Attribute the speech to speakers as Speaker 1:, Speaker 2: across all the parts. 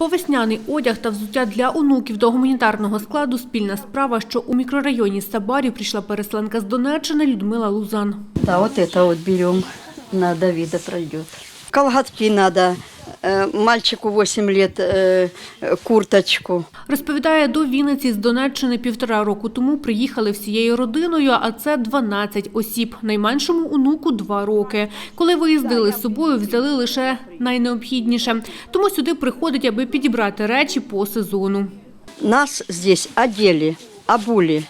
Speaker 1: Весняний одяг та взуття для онуків до гуманітарного складу – спільна справа, що у мікрорайоні Сабарів прийшла переселенка з Донеччини Людмила Лузан.
Speaker 2: Да, вот это вот берем, на Давида пройдет. Колготки надо, мальчику 8 лет, курточку.
Speaker 1: Розповідає, до Вінниці з Донеччини 1,5 року тому приїхали всією родиною, а це 12 осіб. Найменшому онуку 2 роки. Коли виїздили з собою, взяли лише найнеобхідніше. Тому сюди приходять, аби підібрати речі по сезону.
Speaker 2: Нас здесь одели, обули,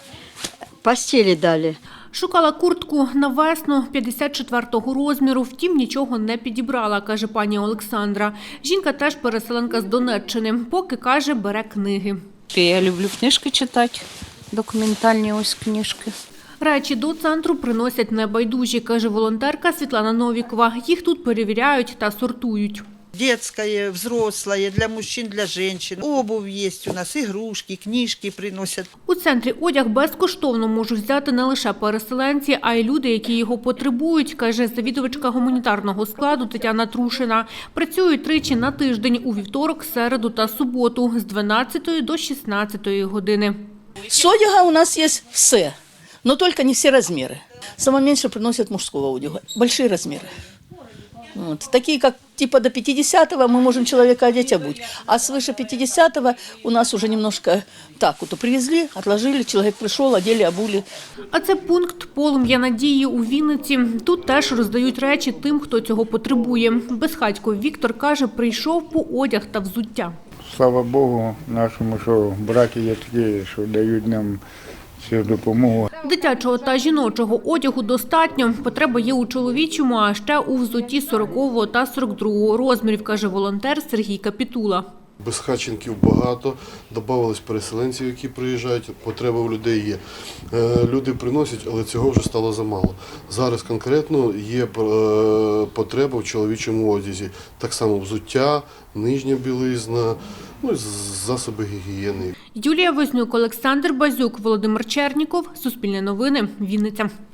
Speaker 2: постели дали.
Speaker 1: Шукала куртку на весну 54-го розміру, втім нічого не підібрала, каже пані Олександра. Жінка теж переселенка з Донеччини, поки, каже, бере книги.
Speaker 3: Я люблю книжки читати, документальні ось книжки.
Speaker 1: Речі до центру приносять небайдужі, каже волонтерка Світлана Новікова. Їх тут перевіряють та сортують.
Speaker 4: Детское, взрослое, для мужчин, для женщин. Обувь есть у нас, игрушки, книжки приносят.
Speaker 1: У центрі одяг безкоштовно можуть взяти не лише переселенці, а й люди, які його потребують, каже завідувачка гуманітарного складу Тетяна Трушина. Працюють тричі на тиждень – у вівторок, середу та суботу з 12 до 16 години.
Speaker 5: С одяга у нас есть все, но только не все размеры. Самое меньше приносят мужского одяга, большие размеры. Вот. Такие, как типа до 50-го мы можем человека одеть, обуть. А свыше 50-го у нас уже немножко так вот привезли, отложили, человек пришел, одели, обули.
Speaker 1: А це пункт «Полум'я надії» у Вінниці. Тут теж роздають речі тим, хто цього потребує. Безхатько Віктор, каже, прийшов по одяг та взуття.
Speaker 6: Слава Богу нашому, що браки є такі, що дають нам цю допомогу.
Speaker 1: Дитячого та жіночого одягу достатньо. Потреба є у чоловічому, а ще у взутті 40-го та 42-го розмірів, каже волонтер Сергій Капітула.
Speaker 7: Безхатченків багато, додавались переселенців, які приїжджають, потреба в людей є. Люди приносять, але цього вже стало замало. Зараз конкретно є потреба в чоловічому одязі. Так само взуття, нижня білизна, ну і засоби гігієни.
Speaker 1: Юлія Вознюк, Олександр Базюк, Володимир Черніков. Суспільне новини. Вінниця.